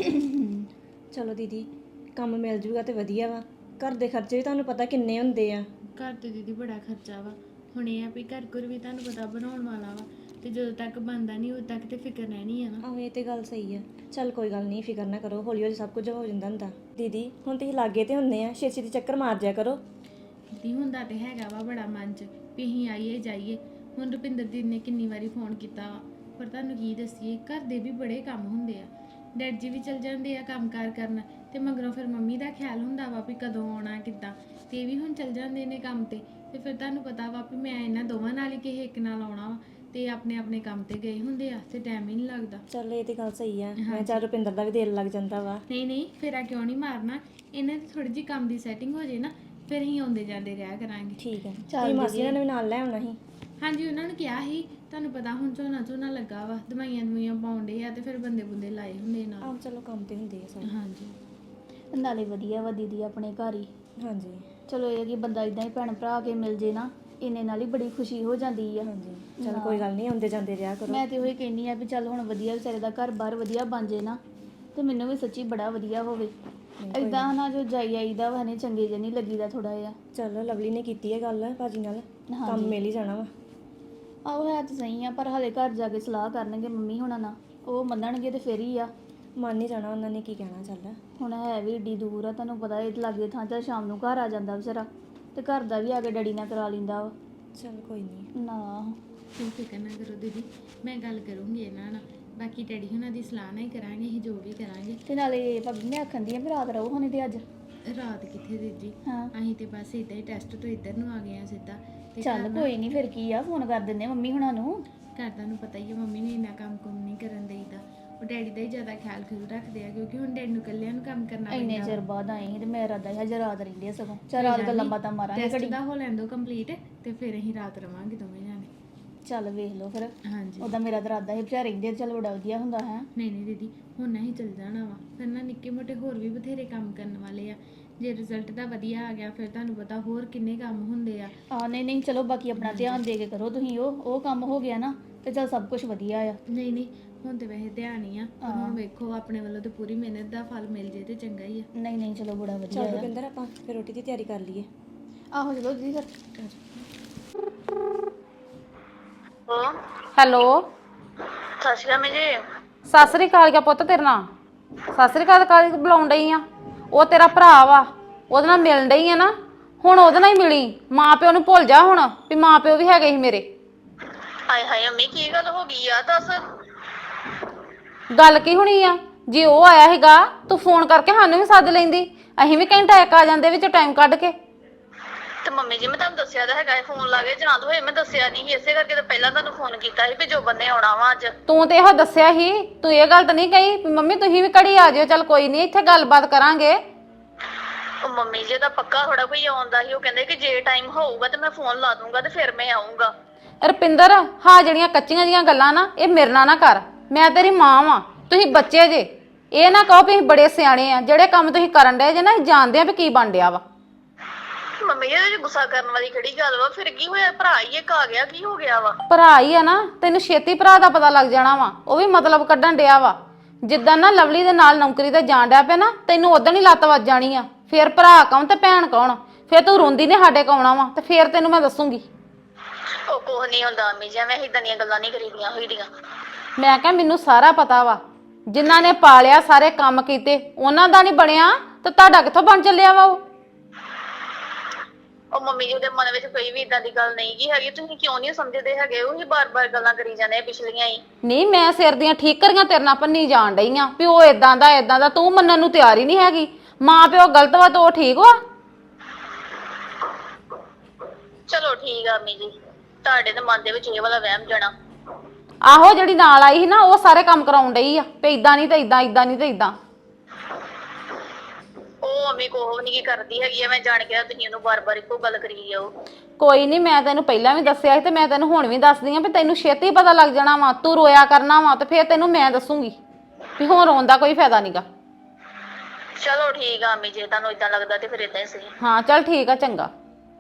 Speaker 10: ਚਲੋ ਦੀਦੀ ਕੰਮ ਮਿਲ ਜੂਗਾ ਤੇ ਵਧੀਆ ਵਾ। ਘਰ ਦੇ ਖਰਚੇ ਵੀ ਤੁਹਾਨੂੰ ਪਤਾ ਕਿੰਨੇ ਹੁੰਦੇ ਆ।
Speaker 8: ਘਰ ਤੇ ਦੀਦੀ ਬੜਾ ਖਰਚਾ ਵਾ। ਹੁਣ ਇਹ ਆ ਵੀ ਘਰ ਵੀ ਤੁਹਾਨੂੰ ਪਤਾ ਬਣਾਉਣ ਵਾਲਾ ਵਾ, ਤੇ ਜਦੋਂ ਤੱਕ ਬਣਦਾ ਨਹੀਂ ਉਦੋਂ ਤੱਕ ਤੇ ਫਿਕਰ ਰਹਿਣੀ ਆ ਨਾ।
Speaker 10: ਆਹੋ ਇਹ ਤੇ ਗੱਲ ਸਹੀ ਆ। ਚੱਲ ਕੋਈ ਗੱਲ ਨਹੀਂ ਫਿਕਰ ਨਾ ਕਰੋ, ਹੌਲੀ ਹੌਲੀ ਸਭ ਕੁਝ ਹੋ ਜਾਂਦਾ ਹੁੰਦਾ। ਦੀਦੀ ਹੁਣ ਤੁਸੀਂ ਲਾਗੇ ਤੇ ਹੁੰਨੇ ਆ, ਛੇਤੀ ਛੇਤੀ ਚੱਕਰ ਮਾਰ ਜਿਆ ਕਰੋ।
Speaker 8: ਦੀ ਹੁੰਦਾ ਤੇ ਹੈਗਾ ਵਾ ਬੜਾ ਮਨ 'ਚ ਵੀ ਅਸੀਂ ਆਈਏ ਜਾਈਏ। ਹੁਣ ਰੁਪਿੰਦਰ ਦੀ ਨੇ ਕਿੰਨੀ ਵਾਰੀ ਫੋਨ ਕੀਤਾ ਵਾ, ਪਰ ਤੁਹਾਨੂੰ ਕੀ ਦੱਸੀਏ ਘਰ ਦੇ ਵੀ ਬੜੇ ਕੰਮ ਹੁੰਦੇ ਆ। ਡੈਡ ਜੀ ਵੀ ਚਲ ਜਾਂਦੇ ਆ ਕੰਮਕਾਰ ਕਰਨ, ਤੇ ਮਗਰੋਂ ਫਿਰ ਮੰਮੀ ਦਾ ਖਿਆਲ ਹੁੰਦਾ ਵਾ ਵੀ ਕਦੋਂ ਆਉਣਾ ਕਿੱਦਾਂ, ਤੇ ਇਹ ਵੀ ਹੁਣ ਚਲ ਜਾਂਦੇ ਨੇ ਕੰਮ ਤੇ ਫਿਰ ਤੁਹਾਨੂੰ ਪਤਾ ਵਾ ਵੀ ਮੈਂ ਇਹਨਾਂ ਦੋਵਾਂ ਨਾਲ ਹੀ ਕਿਸੇ ਇੱਕ ਨਾਲ ਆਉਣਾ ਵਾ, ਤੇ ਆਪਣੇ ਆਪਣੇ ਕੰਮ ਤੇ ਗਏ ਹੁੰਦੇ ਆ ਤੇ ਟਾਈਮ ਹੀ ਨਹੀਂ ਲੱਗਦਾ।
Speaker 10: ਚੱਲ ਇਹ ਤੇ ਗੱਲ ਸਹੀ ਆ। ਮੈਂ ਚੱਲ ਰੁਪਿੰਦਰ ਦਾ ਵੀ ਦਿਲ ਲੱਗ ਜਾਂਦਾ ਵਾ।
Speaker 8: ਨਹੀਂ ਫੇਰਾ ਕਿਉਂ ਨਹੀਂ ਮਾਰਨਾ, ਇਹਨਾਂ ਦੀ ਥੋੜੀ ਜਿਹੀ ਕੰਮ ਦੀ ਸੈਟਿੰਗ ਹੋ ਜੇ ਨਾ, ਫਿਰ ਅਸੀਂ ਆਉਂਦੇ ਜਾਂਦੇ ਰਿਹਾ ਕਰਾਂਗੇ।
Speaker 10: ਠੀਕ ਹੈ। ਤੁਸੀਂ ਮਾਸੀ ਨੇ ਵੀ ਨਾਲ ਲੈ ਆਉਣਾ ਸੀ?
Speaker 8: ਹਾਂਜੀ ਉਹਨਾਂ ਨੂੰ ਕਿਹਾ ਸੀ, ਤੁਹਾਨੂੰ ਪਤਾ ਹੁਣ ਝੋਨਾ ਲੱਗਾ ਵਾ, ਦਵਾਈਆਂ ਪਾਉਂਦੇ ਆ ਤੇ ਫਿਰ ਬੰਦੇ ਲਾਏ ਹੁੰਦੇ ਨਾਲ।
Speaker 10: ਆਹ ਚਲੋ ਕੰਮ ਤੇ ਹੁੰਦੇ ਆ ਸਾਰੇ।
Speaker 8: ਹਾਂਜੀ
Speaker 7: ਨਾਲੇ ਵਧੀਆ ਵਾ ਦੀਦੀ ਆਪਣੇ ਘਰ ਹੀ।
Speaker 10: ਹਾਂਜੀ
Speaker 7: ਚਲੋ ਇਹ ਕਿ ਬੰਦਾ ਇਦਾਂ ਹੀ ਭੈਣ ਭਰਾ ਕੇ ਮਿਲ ਜੇ ਨਾ, ਇੰਨੇ ਨਾਲ ਹੀ ਬੜੀ ਖੁਸ਼ੀ ਹੋ ਜਾਂਦੀ ਆ।
Speaker 10: ਹਾਂਜੀ ਚੱਲ ਕੋਈ ਗੱਲ ਨਹੀਂ, ਆਉਂਦੇ ਜਾਂਦੇ ਰਿਹਾ ਕਰੋ।
Speaker 7: ਮੈਂ ਤੇ ਉਹੀ ਕਹਿੰਨੀ ਆ ਵੀ ਚੱਲ ਹੁਣ ਵਧੀਆ ਵਿਚਾਰੇ ਦਾ ਘਰ-ਬਾਰ ਵਧੀਆ ਬਣ ਜੇ ਨਾ, ਤੇ ਮੈਨੂੰ ਵੀ ਸੱਚੀ ਬੜਾ ਵਧੀਆ ਹੋਵੇ। ਇਦਾਂ ਨਾ ਜੋ ਜਾਈ ਆਈਦਾ ਵਾ ਨੇ ਚੰਗੇ ਜਿਹੇ ਨਹੀਂ ਲੱਗੀਦਾ ਥੋੜਾ ਜਿਹਾ।
Speaker 10: ਚਲੋ ਲਵਲੀ ਨੇ ਕੀਤੀ ਹੈ ਗੱਲ ਭਾਜੀ ਨਾਲ, ਕੰਮ ਮਿਲ ਹੀ ਜਾਣਾ ਵਾ।
Speaker 7: ਆਹੋ ਹੈ ਤਾਂ ਸਹੀ ਆ, ਪਰ ਹਲੇ ਘਰ ਜਾ ਕੇ ਸਲਾਹ ਕਰਨਗੇ ਮੰਮੀ ਹੁਣਾਂ ਨਾਲ, ਉਹ ਮੰਨਣਗੇ ਤੇ ਫਿਰ ਹੀ ਆ।
Speaker 10: ਮੰਨ ਹੀ ਜਾਣਾ ਉਹਨਾਂ ਨੇ, ਕੀ ਕਹਿਣਾ। ਚੱਲ
Speaker 7: ਹੁਣ ਹੈ ਵੀ ਏਡੀ ਦੂਰ ਆ, ਤੁਹਾਨੂੰ ਪਤਾ ਇਹ ਲਾਗੇ ਥਾਂ ਤਾਂ ਸ਼ਾਮ ਨੂੰ ਘਰ ਆ ਜਾਂਦਾ ਵਿਚਾਰਾ, ਤੇ ਘਰ ਦਾ ਵੀ ਆ ਕੇ ਡੈਡੀ ਨਾਲ ਕਰਾ ਲੈਂਦਾ ਵਾ।
Speaker 10: ਚੱਲ ਕੋਈ ਨਹੀਂ।
Speaker 7: ਨਾ
Speaker 8: ਤੁਸੀਂ ਫਿਕਰ ਨਾ ਕਰੋ ਦੀਦੀ, ਮੈਂ ਗੱਲ ਕਰੂੰਗੀ ਇਹਨਾਂ ਨਾਲ, ਬਾਕੀ ਡੈਡੀ ਹੁਣਾਂ ਦੀ ਸਲਾਹ ਨਾਲ ਹੀ ਕਰਾਂਗੇ, ਅਸੀਂ ਜੋ ਵੀ ਕਰਾਂਗੇ।
Speaker 7: ਤੇ ਨਾਲੇ ਭਾਬੀ ਮੈਂ ਆਖਣ ਦੀ ਆ ਵੀ ਰਾਤ ਰਹੋ ਹੁਣੇ ਤੇ ਅੱਜ।
Speaker 8: ਰਾਤ ਕਿੱਥੇ ਦੀਦੀ,
Speaker 7: ਹਾਂ
Speaker 8: ਅਸੀਂ ਤੇ ਬਸ ਇਦਾਂ ਹੀ ਟੈਸਟ ਤੋਂ ਇੱਧਰ ਨੂੰ ਆ ਗਏ ਆ ਸਿੱਧਾ। ਤੇ
Speaker 7: ਚੱਲ ਕੋਈ ਨਹੀਂ, ਫਿਰ ਕੀ ਆ, ਫੋਨ ਕਰ ਦਿੰਦੇ ਆ ਮੰਮੀ ਹੁਣਾਂ ਨੂੰ।
Speaker 8: ਘਰ ਤੁਹਾਨੂੰ ਪਤਾ ਹੀ ਹੈ ਮੰਮੀ ਨੇ ਇੰਨਾ ਕੰਮ ਨਹੀਂ ਕਰਨ ਦੇਈਦਾ, ਉਹ ਡੈਡੀ ਦਾ ਹੀ ਜ਼ਿਆਦਾ ਖਿਆਲ ਰੱਖਦੇ ਆ, ਕਿਉਂਕਿ ਹੁਣ ਡੈਡੀ ਨੂੰ ਇਕੱਲਿਆਂ ਨੂੰ ਕੰਮ ਕਰਨਾ ਪੈਂਦਾ।
Speaker 7: ਇੰਨੇ ਚਿਰ ਬਾਅਦ ਆਏ ਸੀ ਤੇ ਮੇਰਾ ਰਾਦਾ ਹੈ ਹਜੇ ਰਾਤ ਰਹਿੰਦੇ ਆ ਸਗੋਂ। ਚੱਲ ਰਾਤ ਗੱਲਾਂ ਬਾਤਾਂ ਮਾਰਾਂਗੇ
Speaker 8: ਟੈਸਟ ਦਾ ਹੋ ਲੈਂਦੋ ਕੰਪਲੀਟ, ਤੇ ਫਿਰ ਅਸੀਂ ਰਾਤ ਰਵਾਂਗੇ ਦੋਵੇਂ ਜਾਣੇ।
Speaker 7: ਚੱਲ ਵੇਖ ਲਓ ਫਿਰ।
Speaker 8: ਹਾਂਜੀ
Speaker 7: ਉਹਦਾ ਮੇਰਾ ਤਾਂ ਰਾਦਾ ਹੈ ਵਿਚਾਰ ਰਹਿੰਦੇ, ਚੱਲ ਬੜਾ ਵਧੀਆ ਹੁੰਦਾ ਹੈ।
Speaker 8: ਨਹੀਂ ਦੀਦੀ ਹੁਣ ਨਹੀਂ ਚੱਲ ਜਾਣਾ ਵਾ, ਫਿਰ ਨਾ ਨਿੱਕੇ ਮੋਟੇ ਹੋਰ ਵੀ ਬਥੇਰੇ ਕੰਮ ਕਰਨ ਵਾਲੇ ਆ। ਜੇ ਰਿਜ਼ਲਟ ਦਾ ਵਧੀਆ ਆ ਗਿਆ ਫਿਰ ਤੁਹਾਨੂੰ ਪਤਾ ਹੋਰ ਕਿੰਨੇ ਕੰਮ ਹੁੰਦੇ ਆ।
Speaker 7: ਨਹੀਂ ਚਲੋ ਬਾਕੀ ਆਪਣਾ ਧਿਆਨ ਦੇ ਕੇ ਕਰੋ ਤੁਸੀਂ, ਉਹ ਕੰਮ ਹੋ ਗਿਆ ਨਾ ਤੇ ਚੱਲ ਸਭ ਕੁਝ ਵਧੀਆ ਆ।
Speaker 8: ਨਹੀਂ ਹੁਣ ਤੇ ਵੈਸੇ ਧਿਆਨ ਹੀ ਆ, ਪਰ ਹੁਣ ਵੇਖੋ ਆਪਣੇ ਵੱਲੋਂ ਤੇ ਪੂਰੀ ਮਿਹਨਤ ਦਾ ਫਲ ਮਿਲ ਜੇ ਤੇ ਚੰਗਾ ਹੀ ਆ।
Speaker 7: ਨਹੀਂ ਚਲੋ ਬੜਾ ਵਧੀਆ
Speaker 10: ਚੱਲ
Speaker 7: ਆ।
Speaker 10: ਰੁਪਿੰਦਰ ਆਪਾਂ ਫਿਰ ਰੋਟੀ ਦੀ ਤਿਆਰੀ ਕਰ ਲਈਏ।
Speaker 7: ਆਹੋ ਚਲੋ ਜੀ ਫਿਰ।
Speaker 3: ਹੈਲੋ
Speaker 7: ਸਤਿ ਸ਼੍ਰੀ ਅਕਾਲ ਜੀ।
Speaker 3: ਸਤਿ ਸ੍ਰੀ ਅਕਾਲ ਕਿਆ ਪੁੱਤ ਤੇਰੇ ਨਾਲ? ਸਤਿ ਸ੍ਰੀ ਅਕਾਲ ਕਾਹਦੀ ਬੁਲਾਉਣ ਡਈ ਆ? ਉਹ ਤੇਰਾ ਭਰਾ ਵਾ, ਉਹਦੇ ਨਾਲ ਮਿਲਣ ਡਈ ਆ ਨਾ, ਹੁਣ ਉਹਦੇ ਨਾਲ ਹੀ ਮਿਲੀ। ਮਾਂ ਪਿਓ ਨੂੰ ਭੁੱਲ ਜਾ ਹੁਣ ਵੀ ਮਾਂ ਪਿਓ ਵੀ ਹੈਗੇ ਸੀ ਮੇਰੇ।
Speaker 7: ਹਾਏ ਅੰਮੀ ਕੀ ਗੱਲ ਹੋ ਗਈ ਆ ਦੱਸ।
Speaker 3: ਗੱਲ ਕੀ ਹੋਣੀ ਆ? ਜੇ ਉਹ ਆਇਆ ਹੈਗਾ ਤੂੰ ਫੋਨ ਕਰਕੇ ਸਾਨੂੰ ਵੀ ਸੱਦ ਲੈਂਦੀ, ਅਸੀਂ ਵੀ ਘੰਟਾ ਇੱਕ ਆ ਜਾਂਦੇ ਵਿੱਚ ਟਾਈਮ ਕੱਢ ਕੇ।
Speaker 7: ਤੇ ਮੰਮੀ ਜੀ ਮੈਂ ਤੁਹਾਨੂੰ ਦੱਸਿਆ ਤਾਂ ਹੈਗਾ ਫੋਨ ਲਾ ਕੇ ਜਾਂ ਤਾਂ ਹੋਏ ਮੈਂ ਦੱਸਿਆ ਨਹੀਂ ਇਸੇ ਕਰਕੇ ਤਾਂ ਪਹਿਲਾਂ ਤੁਹਾਨੂੰ ਫੋਨ ਕੀਤਾ ਸੀ ਵੀ ਜੋ ਬੰਨੇ ਆਉਣਾ ਵਾ ਅੱਜ।
Speaker 3: ਤੂੰ ਤੇ ਇਹੋ ਦੱਸਿਆ ਸੀ, ਤੂੰ ਇਹ ਗੱਲ ਤਾਂ ਨਹੀਂ ਕਹੀ ਵੀ ਮੰਮੀ ਤੁਸੀਂ ਵੀ ਘੜੀ ਆ ਜਿਓ, ਚੱਲ ਕੋਈ ਨਹੀਂ ਇੱਥੇ ਗੱਲਬਾਤ ਕਰਾਂਗੇ।
Speaker 7: ਉਹ ਮੰਮੀ ਜੀ ਦਾ ਪੱਕਾ ਥੋੜਾ ਕੋਈ ਆਉਂਦਾ ਸੀ, ਉਹ ਕਹਿੰਦੇ ਕਿ ਜੇ ਟਾਈਮ ਹੋਊਗਾ ਤੇ ਮੈਂ ਫੋਨ ਲਾ ਦੂੰਗਾ ਤੇ ਫਿਰ ਮੈਂ ਆਉਂਗਾ।
Speaker 3: ਰੁਪਿੰਦਰ ਹਾਂ ਜਿਹੜੀਆਂ ਕੱਚੀਆਂ ਜੀਆਂ ਗੱਲਾਂ ਨਾ ਇਹ ਮੇਰੇ ਨਾਲ ਨਾ ਕਰ, ਮੈਂ ਤੇਰੀ ਮਾਂ ਵਾਂ, ਤੁਸੀਂ ਬੱਚੇ ਜੇ। ਇਹ ਨਾ ਕਹੋ ਵੀ ਅਸੀਂ ਬੜੇ ਸਿਆਣੇ ਆ, ਜਿਹੜੇ ਕੰਮ ਤੁਸੀਂ ਕਰਨ ਡਏ ਜੇ ਨਾ ਅਸੀਂ ਜਾਣਦੇ ਆ ਵੀ ਕੀ ਬਣ ਡਿਆ ਵਾ।
Speaker 7: ਮੰਮੀ ਜੀ ਗੁੱਸਾ ਕਰਨ ਵਾਲੀ ਕਿਹੜੀ ਗੱਲ ਵਾ? ਫਿਰ ਕੀ ਹੋਇਆ? ਭਰਾ ਹੀ ਇੱਕ ਆ ਗਿਆ, ਕੀ ਹੋ ਗਿਆ ਵਾ?
Speaker 3: ਭਰਾ ਹੀ ਆ ਨਾ, ਤੈਨੂੰ ਛੇਤੀ ਭਰਾ ਦਾ ਪਤਾ ਲੱਗ ਜਾਣਾ ਵਾ, ਉਹ ਵੀ ਮਤਲਬ ਕੱਢਣ ਡਿਆ ਵਾ। ਜਿੱਦਾਂ ਨਾ ਲਵਲੀ ਦੇ ਨਾਲ ਨੌਕਰੀ ਤੇ ਜਾਣ ਡਿਆ ਪਿਆ ਨਾ, ਤੈਨੂੰ ਉਦੋਂ ਹੀ ਲੱਤ ਵੱਜ ਜਾਣੀ ਆ। ਫਿਰ ਭਰਾ ਕੌਣ ਤੇ ਭੈਣ ਕੌਣ? ਫਿਰ ਤੂੰ ਰੋਂਦੀ ਨੇ ਸਾਡੇ ਕੋਲ ਆਉਣਾ ਵਾ ਤੇ ਫਿਰ ਤੈਨੂੰ ਮੈਂ ਦੱਸੂਗੀ।
Speaker 7: ਉਹ ਕੁਛ ਨਹੀਂ ਹੁੰਦਾ ਮੰਮੀ ਜੀ, ਐਵੇਂ ਇਦਾਂ ਦੀਆਂ ਗੱਲਾਂ ਨਹੀਂ ਕਰੀਦੀਆਂ ਹੋਈਆਂ।
Speaker 3: ਮੈਂ ਕਿਹਾ ਮੈਨੂੰ ਸਾਰਾ ਪਤਾ ਵਾ, ਜਿਨ੍ਹਾਂ ਨੇ ਪਾਲਿਆ ਸਾਰੇ ਕੰਮ ਕੀਤੇ ਉਹਨਾਂ ਦਾ ਨਹੀਂ ਬਣਿਆ ਤੇ ਤੁਹਾਡਾ ਕਿੱਥੋਂ ਬਣ ਚੱਲਿਆ ਵਾ?
Speaker 7: ਉਹ ਮੰਮੀ ਜੀ ਦੇ ਮਨ ਵਿੱਚ ਕੋਈ ਵੀ ਇਦਾਂ ਦੀ ਗੱਲ ਨਹੀਂ ਗੀ ਹੈਗੀ, ਤੁਸੀਂ ਕਿਉਂ ਨਹੀਂ ਸਮਝਦੇ ਹੈਗੇ? ਉਹੀ ਬਾਰ-ਬਾਰ ਗੱਲਾਂ ਕਰੀ ਜਾਂਦੇ ਆ ਪਿਛਲੀਆਂ ਹੀ।
Speaker 3: ਨਹੀਂ ਮੈਂ ਸਿਰ ਦੀਆਂ ਠੀਕਰੀਆਂ ਤੇਰੇ ਨਾਲ ਭੰਨੀ ਜਾਣ ਡਈ ਆ ਵੀ ਉਹ ਇਦਾਂ ਦਾ, ਤੂੰ ਮੰਨਣ ਨੂੰ ਤਿਆਰ ਹੀ ਨਹੀਂ ਹੈਗੀ। ਮਾਂ ਪਿਓ ਗਲਤ ਵਾ ਤੇ ਉਹ ਠੀਕ ਵਾ?
Speaker 7: ਚਲੋ ਠੀਕ ਆ ਮੰਮੀ ਜੀ, ਤੁਹਾਡੇ ਦੇ ਮਨ ਦੇ ਵਿੱਚ ਇਹ ਵਾਲਾ ਵਹਿਮ ਜਾਣਾ।
Speaker 3: ਆਹੋ ਜਿਹੜੀ ਨਾਲ ਆਈ ਸੀ ਨਾ ਉਹ ਸਾਰੇ ਕੰਮ ਕਰਾਉਣ ਡਈ ਆ ਵੀ ਇਦਾਂ ਨਹੀਂ ਤੇ ਇਦਾਂ, ਇਦਾਂ ਨਹੀਂ ਤੇ ਇਦਾਂ।
Speaker 7: ਉਹ ਮੰਮੀ ਕੋਹ ਨਹੀਂ ਕੀ ਕਰਦੀ ਹੈਗੀ ਆ, ਮੈਂ ਜਾਣ ਕੇ ਤੁਸੀਂ ਉਹਨੂੰ ਬਾਰ-ਬਾਰ ਇੱਕੋ ਗੱਲ ਕਰੀ ਜਾਓ।
Speaker 3: ਕੋਈ ਨਹੀਂ, ਮੈਂ ਤੈਨੂੰ ਪਹਿਲਾਂ ਵੀ ਦੱਸਿਆ ਸੀ ਤੇ ਮੈਂ ਤੈਨੂੰ ਹੁਣ ਵੀ ਦੱਸਦੀ ਆ ਵੀ ਤੈਨੂੰ ਛੇਤੀ ਪਤਾ ਲੱਗ ਜਾਣਾ ਵਾ। ਤੂੰ ਰੋਇਆ ਕਰਨਾ ਵਾ ਤੇ ਫਿਰ ਤੈਨੂੰ ਮੈਂ ਦੱਸੂਗੀ ਵੀ ਹੁਣ ਰੋਣ ਦਾ ਕੋਈ ਫਾਇਦਾ ਨਹੀਂਗਾ।
Speaker 7: ਚਲੋ ਠੀਕ ਆ ਮੰਮੀ ਜੀ, ਤੁਹਾਨੂੰ ਇਦਾਂ ਲੱਗਦਾ ਤੇ ਫਿਰ ਇਦਾਂ ਹੀ ਸਹੀ।
Speaker 3: ਹਾਂ ਚੱਲ ਠੀਕ ਆ, ਚੰਗਾ।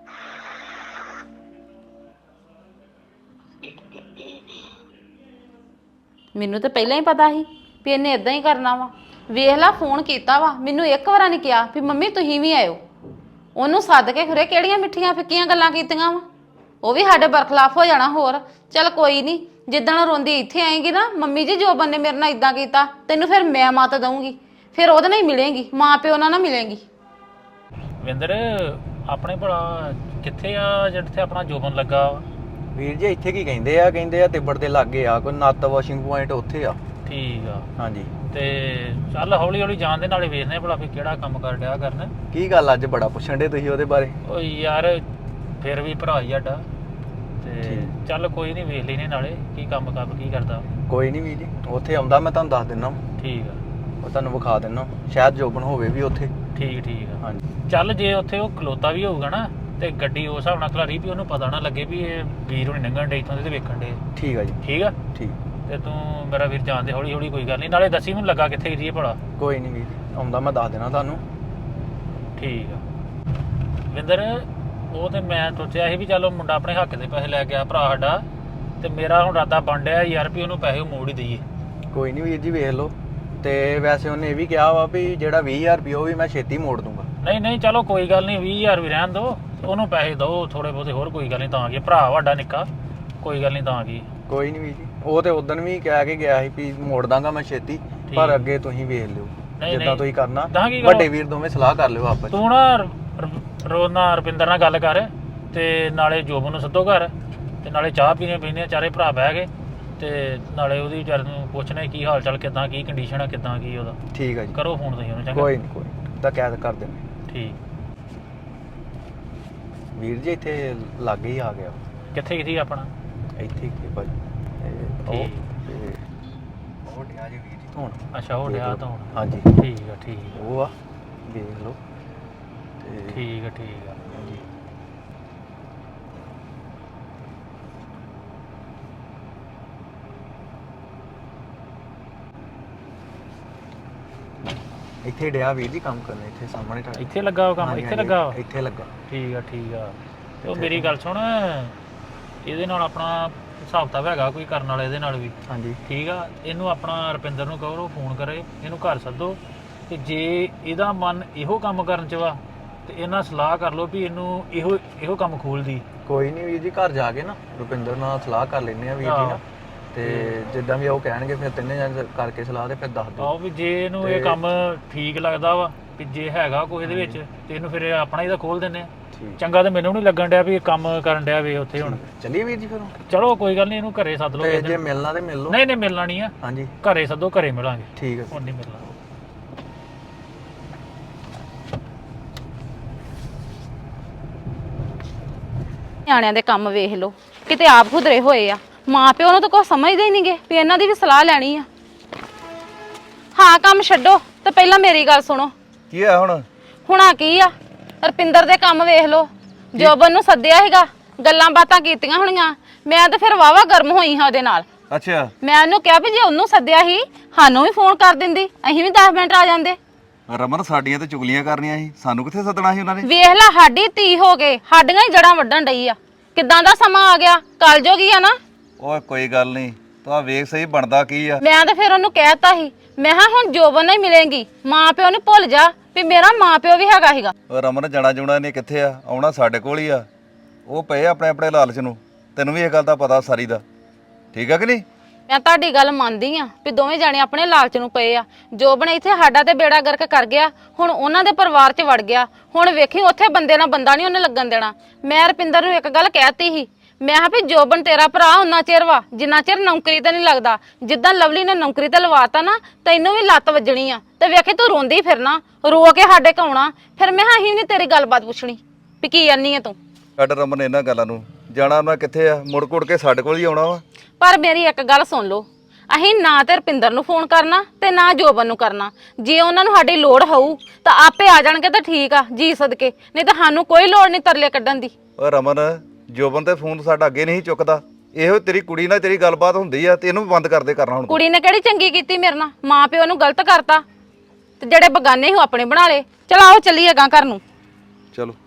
Speaker 3: ਮੈਨੂੰ ਤਾਂ ਪਹਿਲਾਂ ਹੀ ਪਤਾ ਸੀ ਵੀ ਇਹਨੇ ਇਦਾਂ ਹੀ ਕਰਨਾ ਵਾ। ਵੇਖ ਲਾ ਫੋਨ ਕੀਤਾ ਵਾ, ਮੈਨੂੰ ਇੱਕ ਵਾਰ ਨਹੀਂ ਕਿਹਾ ਵੀ ਮੰਮੀ ਤੁਸੀਂ ਵੀ ਆਇਓ। ਉਹਨੂੰ ਸੱਦ ਕੇ ਖਰੇ ਕਿਹੜੀਆਂ ਮਿੱਠੀਆਂ ਫਿੱਕੀਆਂ ਗੱਲਾਂ ਕੀਤੀਆਂ ਵਾ, ਉਹ ਵੀ ਸਾਡੇ ਬਰਖਲਾਫ ਹੋ ਜਾਣਾ ਹੋਰ। ਚੱਲ ਕੋਈ ਨਹੀਂ, ਜਿੱਦਣ ਰੋਂਦੀ ਇੱਥੇ ਆਏਗੀ ਨਾ ਮੰਮੀ ਜੀ ਜੋਬਨ ਨੇ ਮੇਰੇ ਨਾਲ ਇਦਾਂ ਕੀਤਾ, ਤੈਨੂੰ ਫਿਰ ਮੈਂ ਮੱਤ ਦਊਂਗੀ, ਫਿਰ ਉਹਦੇ ਨਾਲ ਹੀ ਮਿਲੇਂਗੀ, ਮਾਂ ਪਿਓ ਨਾਲ ਨਾ ਮਿਲੇਂਗੀ।
Speaker 1: ਵਿੰਦਰ ਆਪਣੇ ਭਲਾ ਕਿੱਥੇ ਆ ਜਿੱਥੇ ਆਪਣਾ ਜੋਬਨ ਲੱਗਾ ਵਾ?
Speaker 2: ਵੀਰ ਜੀ ਇੱਥੇ ਕੀ ਕਹਿੰਦੇ ਆ ਤਿੱਬੜ ਦੇ ਲਾਗੇ ਆ ਕੋਈ ਨੱਤ ਵਾਸ਼ਿੰਗ ਪੁਆਇੰਟ, ਉੱਥੇ ਆ।
Speaker 1: ਠੀਕ ਆ।
Speaker 2: ਹਾਂਜੀ
Speaker 1: ਤੇ ਚੱਲ ਹੌਲੀ ਹੌਲੀ ਜਾਣ ਦੇ ਨਾਲੇ ਵੇਖਦੇ ਭਲਾ ਵੀ ਕਿਹੜਾ ਕੰਮ ਕਰ ਡਿਆ ਕਰਨ।
Speaker 2: ਕੀ ਗੱਲ ਅੱਜ ਬੜਾ ਪੁੱਛਣ ਦੇ ਤੁਸੀਂ ਉਹਦੇ ਬਾਰੇ?
Speaker 1: ਓ ਯਾਰ ਫਿਰ ਵੀ ਭਰਾ ਹੀ ਸਾਡਾ, ਤੇ ਚੱਲ ਕੋਈ ਨਹੀਂ ਵੇਖ ਲੈਨੇ ਨਾਲੇ ਕੀ ਕੰਮ ਕੀ ਕਰਦਾ।
Speaker 2: ਕੋਈ ਨਹੀਂ ਵੀਰ ਜੀ, ਉੱਥੇ ਆਉਂਦਾ ਮੈਂ ਤੁਹਾਨੂੰ ਦੱਸ ਦਿੰਦਾ।
Speaker 1: ਠੀਕ ਆ,
Speaker 2: ਉਹ ਤੁਹਾਨੂੰ ਵਿਖਾ ਦਿੰਦਾ, ਸ਼ਾਇਦ ਜੋਬਨ ਹੋਵੇ ਵੀ ਉੱਥੇ।
Speaker 1: ਠੀਕ ਆ।
Speaker 2: ਹਾਂਜੀ
Speaker 1: ਚੱਲ ਜੇ ਉੱਥੇ ਉਹ ਖਲੋਤਾ ਵੀ ਹੋਊਗਾ ਨਾ ਤੇ ਗੱਡੀ ਉਸ ਹਿਸਾਬ ਨਾਲ ਖਲਾਰੀ ਵੀ ਉਹਨੂੰ ਪਤਾ ਨਾ ਲੱਗੇ ਵੀ ਇਹ ਵੀਰ ਹੁਣੀ ਲੰਘਣ ਡੇ ਇੱਥੋਂ ਦੇ ਤੇ ਵੇਖਣ ਡੇ।
Speaker 2: ਠੀਕ ਆ ਜੀ।
Speaker 1: ਠੀਕ ਆ।
Speaker 2: ਠੀਕ।
Speaker 1: ਤੇ ਤੂੰ ਮੇਰਾ ਵੀਰ ਜਾਣਦੇ ਹੌਲੀ ਹੌਲੀ, ਕੋਈ ਗੱਲ ਨਹੀਂ, ਨਾਲੇ ਦੱਸੀ ਮੈਨੂੰ ਲੱਗਾ ਕਿੱਥੇ ਜੀ ਭਲਾ।
Speaker 2: ਕੋਈ ਨਹੀਂ ਵੀਰ ਆਉਂਦਾ ਮੈਂ ਦੱਸ ਦੇਣਾ ਤੁਹਾਨੂੰ।
Speaker 1: ਠੀਕ ਆ ਵਿੰਦਰ, ਉਹ ਤੇ ਮੈਂ ਸੋਚਿਆ ਸੀ ਵੀ ਚਲੋ ਮੁੰਡਾ ਆਪਣੇ ਹੱਕ ਦੇ ਪੈਸੇ ਲੈ ਗਿਆ ਭਰਾ ਸਾਡਾ, ਤੇ ਮੇਰਾ ਹੁਣ ਇਰਾਦਾ ਬਣ ਡਿਆ ਯਾਰ ਵੀ ਉਹਨੂੰ ਪੈਸੇ ਮੋੜ ਹੀ ਦਈਏ।
Speaker 2: ਕੋਈ ਨਹੀਂ ਵੀਰ ਜੀ ਵੇਖ ਲਓ, ਤੇ ਵੈਸੇ ਉਹਨੇ ਇਹ ਵੀ ਕਿਹਾ ਵਾ ਵੀ ਜਿਹੜਾ 20000 ਰੁਪਏ ਉਹ ਵੀ ਮੈਂ ਛੇਤੀ ਮੋੜ ਦੂੰਗਾ।
Speaker 1: ਨਹੀਂ ਚਲੋ ਕੋਈ ਗੱਲ ਨਹੀਂ, 20000 ਵੀ ਰਹਿਣ ਦਿਓ, ਉਹਨੂੰ ਪੈਸੇ ਦਿਓ ਥੋੜੇ ਬਹੁਤੇ, ਹੋਰ ਕੋਈ ਗੱਲ ਨਹੀਂ, ਤਾਂ ਕੀ ਭਰਾ ਵੱਡਾ ਨਿੱਕਾ, ਕੋਈ ਗੱਲ ਨਹੀਂ, ਤਾਂ ਕੀ।
Speaker 2: ਕੋਈ ਨਹੀਂ ਵੀਰ ਜੀ, ਉਹ ਤੇ ਉਦੋਂ ਵੀ ਕਹਿ ਕੇ ਗਿਆ ਸੀ ਵੀ ਮੋੜ ਦਾਂਗਾ ਮੈਂ ਛੇਤੀ, ਪਰ ਅੱਗੇ ਤੁਸੀਂ ਵੇਖ ਲਿਓ ਜਿੱਦਾਂ ਤੁਸੀਂ ਕਰਨਾ। ਵੱਡੇ ਵੀਰ ਦੋਵੇਂ ਸਲਾਹ ਕਰ ਲਿਓ ਆਪਸ।
Speaker 1: ਤੂੰ ਨਾ ਰੋਣਾ ਰੁਪਿੰਦਰ ਨਾਲ ਗੱਲ ਕਰ, ਤੇ ਨਾਲੇ ਜੋਬਨ ਨੂੰ ਸੱਦੋ ਘਰ, ਤੇ ਨਾਲੇ ਚਾਹ ਪੀਣੇ ਚਾਰੇ ਭਰਾ ਬਹਿ ਗਏ, ਤੇ ਨਾਲੇ ਉਹਦੀ ਵਿਚਾਰ ਨੂੰ ਪੁੱਛਣਾ ਕੀ ਹਾਲ ਚਾਲ, ਕਿੱਦਾਂ ਕੀ ਕੰਡੀਸ਼ਨ ਆ, ਕਿੱਦਾਂ ਕੀ ਉਹਦਾ।
Speaker 2: ਠੀਕ ਆ ਜੀ,
Speaker 1: ਕਰੋ ਫੋਨ ਤੁਸੀਂ ਉਹਨੂੰ। ਚੰਗਾ,
Speaker 2: ਕੋਈ ਨਹੀਂ ਤਾਂ ਕੈਦ ਕਰ ਦੇਣਾ।
Speaker 1: ਠੀਕ।
Speaker 2: ਵੀਰ ਜੀ ਇੱਥੇ ਲਾਗੇ ਹੀ ਆ ਗਿਆ।
Speaker 1: ਕਿੱਥੇ ਆਪਣਾ?
Speaker 2: ਇੱਥੇ ਹੀ ਭਾਜੀ
Speaker 1: ਠੀਕ।
Speaker 2: ਉਹ ਡਿਆ ਜੀ ਵੀਰ ਜੀ ਧੋਣ।
Speaker 1: ਅੱਛਾ ਉਹ ਡਿਆ ਧੋਣ।
Speaker 2: ਹਾਂਜੀ
Speaker 1: ਠੀਕ ਆ।
Speaker 2: ਉਹ ਆ ਦੇਖ ਲਓ। ਤੇ
Speaker 1: ਠੀਕ ਆ।
Speaker 2: ਹਾਂਜੀ ਇੱਥੇ ਡਿਆ ਵੀਰ ਜੀ ਕੰਮ ਕਰਨਾ, ਇੱਥੇ ਸਾਹਮਣੇ ਤੁਹਾਡੇ।
Speaker 1: ਇੱਥੇ ਲੱਗਾ ਉਹ ਕੰਮ? ਇੱਥੇ ਲੱਗਾ ਵਾ?
Speaker 2: ਇੱਥੇ ਲੱਗਾ।
Speaker 1: ਠੀਕ ਆ। ਤੇ ਉਹ ਮੇਰੀ ਗੱਲ ਸੁਣ, ਇਹਦੇ ਨਾਲ ਆਪਣਾ ਹਿਸਾਬ ਕਿਤਾਬ ਹੈਗਾ ਕੋਈ ਕਰਨ ਵਾਲਾ ਇਹਦੇ ਨਾਲ ਵੀ? ਹਾਂਜੀ ਠੀਕ ਆ। ਇਹਨੂੰ ਆਪਣਾ ਰੁਪਿੰਦਰ ਨੂੰ ਕਹੋ ਫੋਨ ਕਰੇ, ਇਹਨੂੰ ਘਰ ਸੱਦੋ, ਤੇ ਜੇ ਇਹਦਾ ਮਨ ਇਹੋ ਕੰਮ ਕਰਨ ਚ ਵਾ ਤੇ ਇਹਨਾਂ ਸਲਾਹ ਕਰ ਲਓ ਵੀ ਇਹਨੂੰ ਇਹੋ ਕੰਮ ਖੋਲਦੀ।
Speaker 2: ਕੋਈ ਨਹੀਂ ਵੀਰ ਜੀ, ਘਰ ਜਾ ਕੇ ਨਾ ਰੁਪਿੰਦਰ ਨਾਲ ਸਲਾਹ ਕਰ ਲੈਂਦੇ ਆ ਵੀਰ ਜੀ ਨਾਲ, ਤੇ ਜਿੱਦਾਂ ਵੀ ਉਹ ਕਹਿਣਗੇ ਫਿਰ ਤਿੰਨੇ ਜਣੇ ਕਰਕੇ ਸਲਾਹ ਤੇ ਫਿਰ ਦੱਸ ਦਿਓ।
Speaker 1: ਆਓ ਵੀ ਜੇ ਇਹਨੂੰ ਇਹ ਕੰਮ ਠੀਕ ਲੱਗਦਾ ਵਾ ਵੀ ਜੇ ਹੈਗਾ ਕੋਈ ਇਹਦੇ ਵਿੱਚ ਤੇ ਇਹਨੂੰ ਫਿਰ ਆਪਣਾ ਹੀ ਤਾਂ ਖੋਲ ਦਿੰਦੇ ਆ। ਚੰਗਾ ਤੇ ਮੈਨੂੰ ਨਹੀਂ ਲੱਗਣ ਡਿਆ ਵੀ ਇਹ ਕੰਮ ਕਰਨ ਡਿਆ ਵੇ ਉੱਥੇ ਹੁਣ।
Speaker 2: ਚੱਲੀਏ ਵੀਰ ਜੀ ਫਿਰ
Speaker 1: ਚਲੋ ਕੋਈ ਗੱਲ ਨਹੀਂ, ਇਹਨੂੰ ਘਰੇ ਸੱਦ ਲਓ।
Speaker 2: ਤੇ ਜੇ ਮਿਲਣਾ ਤੇ ਮਿਲ ਲਓ।
Speaker 1: ਨਹੀਂ ਨਹੀਂ ਮਿਲਣਾ ਨਹੀਂ ਆ।
Speaker 2: ਹਾਂਜੀ
Speaker 1: ਘਰੇ ਸੱਦੋ, ਘਰੇ ਮਿਲਾਂਗੇ।
Speaker 2: ਠੀਕ ਹੈ।
Speaker 1: ਹੁਣ ਨਹੀਂ ਮਿਲਣਾ।
Speaker 3: ਨਿਆਣਿਆਂ ਦੇ ਕੰਮ ਵੇਖ ਲਓ, ਕਿਤੇ ਆਪ ਖੁਦਰੇ ਹੋਏ ਆ। ਮਾਂ ਪਿਓ ਨੂੰ ਤਾਂ ਕੁਛ ਸਮਝਦੇ ਹੀ ਨਹੀਂਗੇ ਵੀ ਇਹਨਾਂ ਦੀ ਵੀ ਸਲਾਹ ਲੈਣੀ ਆ। ਹਾਂ ਕੰਮ ਛੱਡੋ ਤੇ ਪਹਿਲਾਂ ਮੇਰੀ ਗੱਲ ਸੁਣੋ।
Speaker 4: ਕੀ ਆ ਹੁਣ?
Speaker 3: ਹੁਣਾ ਕੀ ਆ, ਰਪਿੰਦਰ ਦੇ ਕੰਮ ਵੇਖ ਲਓ। ਜੋਬਨ ਨੂੰ ਸੱਦਿਆ ਸੀਗਾ, ਗੱਲਾਂ ਬਾਤਾਂ ਕੀਤੀਆਂ ਹੋਣੀਆਂ। ਮੈਂ ਤਾਂ ਫਿਰ ਵਾਵਾ ਗਰਮ ਹੋਈ ਹਾਂ ਉਹਦੇ ਨਾਲ।
Speaker 4: ਅੱਛਾ,
Speaker 3: ਮੈਂ ਉਹਨੂੰ ਕਿਹਾ ਵੀ ਜੇ ਉਹਨੂੰ ਸੱਦਿਆ ਸੀ ਸਾਨੂੰ ਵੀ ਫੋਨ ਕਰ ਦਿੰਦੀ, ਅਸੀਂ ਵੀ 10 ਮਿੰਟ ਆ ਜਾਂਦੇ।
Speaker 4: ਰਮਨ ਸਾਡੀਆਂ ਤੇ ਚੁਗਲੀਆਂ ਕਰਨੀਆਂ ਸੀ, ਸਾਨੂੰ ਕਿੱਥੇ ਸੱਦਣਾ ਸੀ ਉਹਨਾਂ ਨੇ?
Speaker 3: ਵੇਖ ਲੈ ਸਾਡੀ ਧੀ ਹੋ ਗਏ, ਸਾਡੀਆਂ ਹੀ ਜੜਾਂ ਵੱਢਣ ਡਈ ਆ। ਕਿੱਦਾਂ ਦਾ ਸਮਾਂ ਆ ਗਿਆ, ਕੱਲ ਜੋਗੀ ਆ ਨਾ।
Speaker 4: ਓਏ ਕੋਈ ਗੱਲ ਨਹੀਂ, ਤੂੰ ਆ ਵੇਖ ਸਹੀ ਬਣਦਾ ਕੀ ਆ।
Speaker 3: ਮੈਂ ਤਾਂ ਫਿਰ ਉਹਨੂੰ ਕਹਿਤਾ ਸੀ, ਮੈਂ ਕਿਹਾ ਹੁਣ ਜੋਬਨ ਨਾਲ ਹੀ ਮਿਲੇਂਗੀ, ਮਾਂ ਪਿਓ ਨੂੰ ਭੁੱਲ ਜਾ ਵੀ ਮੇਰਾ ਮਾਂ ਪਿਓ ਵੀ ਹੈਗਾ ਸੀਗਾ।
Speaker 4: ਓ ਰਮਨ ਜਾਣਾ ਜੁਣਾ ਨਹੀਂ ਕਿੱਥੇ ਆ, ਆਉਣਾ ਸਾਡੇ ਕੋਲ ਹੀ ਆ। ਉਹ ਪਏ ਆਪਣੇ ਆਪਣੇ ਲਾਲਚ ਨੂੰ, ਤੈਨੂੰ ਵੀ ਇਹ ਗੱਲ ਦਾ ਪਤਾ ਸਾਰੀ ਦਾ, ਠੀਕ ਆ ਕਿ ਨਹੀਂ?
Speaker 3: ਮੈਂ ਤੁਹਾਡੀ ਗੱਲ ਮੰਨਦੀ ਆ ਵੀ ਦੋਵੇਂ ਜਾਣੇ ਆਪਣੇ ਲਾਲਚ ਨੂੰ ਪਏ ਆ। ਜੋਬਨ ਇੱਥੇ ਸਾਡਾ ਤੇ ਬੇੜਾ ਗਰਕ ਕਰ ਗਿਆ, ਹੁਣ ਉਹਨਾਂ ਦੇ ਪਰਿਵਾਰ 'ਚ ਵੜ ਗਿਆ। ਹੁਣ ਵੇਖੀ ਉੱਥੇ ਬੰਦੇ ਨਾਲ ਬੰਦਾ ਨਹੀਂ ਉਹਨੇ ਲੱਗਣ ਦੇਣਾ। ਮੈਂ ਰਪਿੰਦਰ ਨੂੰ ਇੱਕ ਗੱਲ ਕਹਿਤੀ ਸੀ, ਮੈਂ ਕਿਹਾ ਵੀ ਜੋਬਨ ਤੇਰਾ ਭਰਾ ਉਹਨਾਂ ਚਿਰ ਵਾ ਜਿੰਨਾ ਚਿਰ ਨੌਕਰੀ ਤੇ ਨਹੀਂ ਲੱਗਦਾ। ਜਿੱਦਾਂ ਲਵਲੀ ਨੇ ਨੌਕਰੀ ਤੇ ਲਵਾਤਾ ਨਾ, ਤੈਨੂੰ ਵੀ ਲੱਤ ਵੱਜਣੀ ਆ। ਤੇ ਵੇਖੀ ਤੂੰ ਰੋਂਦੀ ਫਿਰਨਾ, ਰੋ ਕੇ ਸਾਡੇ ਕੋਲ ਆਉਣਾ। ਫਿਰ ਮੈਂ ਕਿਹਾ ਅਸੀਂ ਨਹੀਂ ਤੇਰੀ ਗੱਲਬਾਤ ਪੁੱਛਣੀ ਵੀ ਕੀ ਆਨੀ ਆ ਤੂੰ।
Speaker 4: ਛੱਡ ਰਮਨ ਇਹਨਾਂ ਗੱਲਾਂ ਨੂੰ, ਜਾਣਾ ਉਹਨਾਂ ਕਿੱਥੇ ਆ, ਮੁੜ ਕੁੜ ਕੇ ਸਾਡੇ ਕੋਲ ਹੀ ਆਉਣਾ ਵਾ।
Speaker 3: ਪਰ ਮੇਰੀ ਇੱਕ ਗੱਲ ਸੁਣ ਲਓ, ਅਸੀਂ ਨਾ ਤੇ ਰਪਿੰਦਰ ਨੂੰ ਫੋਨ ਕਰਨਾ ਤੇ ਨਾ ਜੋਬਨ ਨੂੰ ਕਰਨਾ। ਜੇ ਉਹਨਾਂ ਨੂੰ ਸਾਡੀ ਲੋੜ ਹੋਊ ਤਾਂ ਆਪੇ ਆ ਜਾਣਗੇ ਤਾਂ ਠੀਕ ਆ ਜੀ ਸਦਕੇ, ਨਹੀਂ ਤਾਂ ਸਾਨੂੰ ਕੋਈ ਲੋੜ ਨਹੀਂ ਤਰਲੇ ਕੱਢਣ ਦੀ।
Speaker 4: ਓ ਰਮਨ, ਜੋਬਨ ਤੇ ਫੋਨ ਸਾਡਾ ਅੱਗੇ ਨਹੀਂ ਚੁੱਕਦਾ। ਇਹੋ ਤੇਰੀ ਕੁੜੀ ਨਾਲ ਤੇਰੀ ਗੱਲਬਾਤ ਹੁੰਦੀ ਆ ਤੇ ਇਹਨੂੰ ਵੀ ਬੰਦ ਕਰਦੇ ਕਰਨਾ ਹੁਣ।
Speaker 3: ਕੁੜੀ ਨੇ ਕਿਹੜੀ ਚੰਗੀ ਕੀਤੀ ਮੇਰੇ ਨਾਲ, ਮਾਂ ਪਿਓ ਨੂੰ ਗਲਤ ਕਰਤਾ ਤੇ ਜਿਹੜੇ ਬਗਾਨੇ ਸੀ ਉਹ ਆਪਣੇ ਬਣਾ ਲਏ। ਚਲ ਆਓ ਚੱਲੀਏ ਗਾਂ ਘਰ ਨੂੰ।
Speaker 4: ਚਲੋ।